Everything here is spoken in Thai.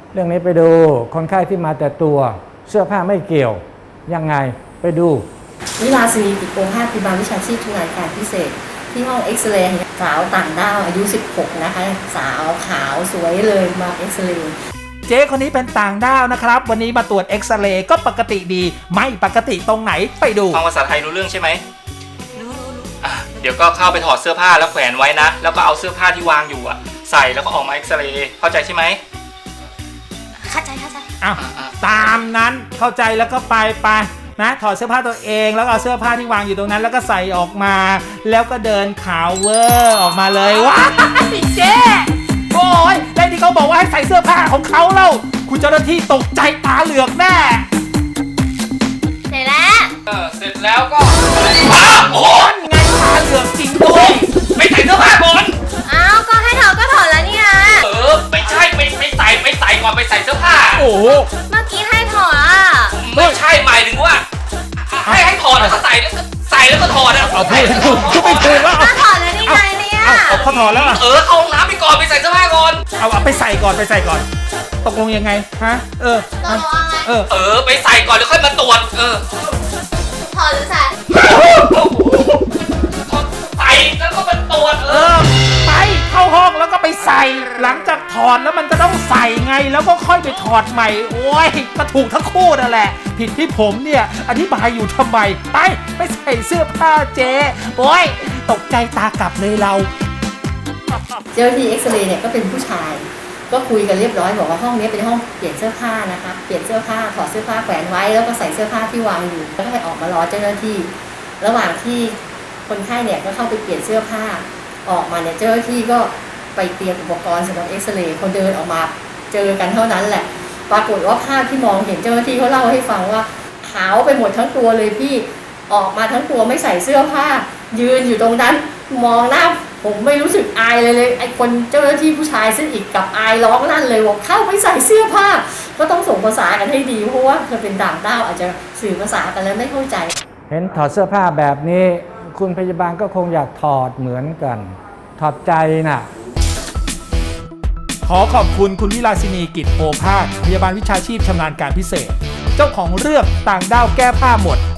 เรื่องนี้ไปดูคนไข้ที่มาแต่ตัวเสื้อผ้าไม่เกี่ยวยังไงไปดูวิลาสินีกิจโกภาสพยาบาลวิชาชีพชำนาญการพิเศษที่ห้องเอ็กซเรย์สาวต่างด้าวอายุ16นะคะสาวขาวสวยเลยมาเอ็กซเรย์เจ๊คนนี้เป็นต่างด้าวนะครับวันนี้มาตรวจเอ็กซเรย์ก็ปกติดีไม่ปกติตรงไหนไปดูฟังภาษาไทยรู้เรื่องใช่ไหมรู้เดี๋ยวก็เข้าไปถอดเสื้อผ้าแล้วแขวนไว้นะแล้วก็เอาเสื้อผ้าที่วางอยู่ใส่แล้วก็ออกมาเอ็กซเรย์เข้าใจใช่ไหมเข้าใจอ้าวตามนั้นเข้าใจแล้วก็ไปนะถอดเสื้อผ้าตัวเองแล้วก็เอาเสื้อผ้าที่วางอยู่ตรงนั้นแล้วก็ใส่ออกมาแล้วก็เดินขาวเวอร์ออกมาเลยว้ายเจ๊โอ้ยได้ที่เขาบอกว่าให้ใส่เสื้อผ้าของเขาเล่าคุณเจ้าหน้าที่ตกใจตาเหลือกแน่เสร็จแล้วเสร็จแล้วก็โอนไงตาเหลือกจริงด้วยไม่ใส่เสื้อผ้าก่อนอ้าวก็ให้ถอดก็ถอดแล้วนี่นะไม่ใช่ไม่ใส่ก่อนไปใส่เสื้อผ้าโอ้เมื่อกี้ให้ถอดไม่ใช่หมายถึงว่าให้ถอดแล้วก็ใส่แล้วก็ถอดเอาพูดไม่ถูกแล้วก็ถอดแล้วนี่ไงเนี่ยเขาถอดแล้วเข้าห้องน้ำไปก่อนไปใส่เสื้อผ้าก่อนเอาไปใส่ก่อนตกลงยังไงฮะตกลงไงไปใส่ก่อนแล้วค่อยมาตรวจถอดหรือใส่ใส่แล้วก็มาตรวจไปเข้าห้องแล้วก็ไปใส่หลังจากถอดแล้วมันก็ต้องใส่ไงแล้วก็ค่อยไปถอดใหม่โอ้ยก็ถูกทั้งคู่นั่นแหละผิดที่ผมเนี่ยอธิบายอยู่ทำไมไปใส่เสื้อผ้าเจ๊โอ้ยตกใจตากลับเลยเราเจ้าที่เอ็กซเรย์เนี่ยก็เป็นผู้ชายก็คุยกันเรียบร้อยบอกว่าห้องนี้เป็นห้องเปลี่ยนเสื้อผ้านะคะเปลี่ยนเสื้อผ้าถอดเสื้อผ้าแขวนไว้แล้วก็ใส่เสื้อผ้าที่วางอยู่แล้วก็ให้ออกมารอเจ้าหน้าที่ระหว่างที่คนไข้เนี่ยก็เข้าไปเปลี่ยนเสื้อผ้าออกมาเนี่ยเจ้าหน้าที่ก็ไปเตรียมอุปกรณ์สำหรับเอ็กซเรย์คนเดินออกมาเจอกันเท่านั้นแหละปรากฏว่าภาพที่มองเห็นเจ้าหน้าที่เขาเล่าให้ฟังว่าขาวไปหมดทั้งตัวเลยพี่ออกมาทั้งตัวไม่ใส่เสื้อผ้ายืนอยู่ตรงนั้นมองหน้าผมไม่รู้สึกอายเลยไอ้คนเจ้าหน้าที่ผู้ชายซึ่งอีกกับอายร้องลั่นเลยว่าเข้าไปใส่เสื้อผ้าก็ต้องส่งภาษากันให้ดีเพราะว่าเธอเป็นต่างด้าวอาจจะสื่อภาษากันแล้วไม่เข้าใจเห็นถอดเสื้อผ้าแบบนี้คุณพยาบาลก็คงอยากถอดเหมือนกันถอดใจน่ะขอขอบคุณคุณวิลาสินีกิจโอภาสพยาบาลวิชาชีพชำนาญการพิเศษเจ้าของเรื่องต่างด้าวแก้ผ้าหมด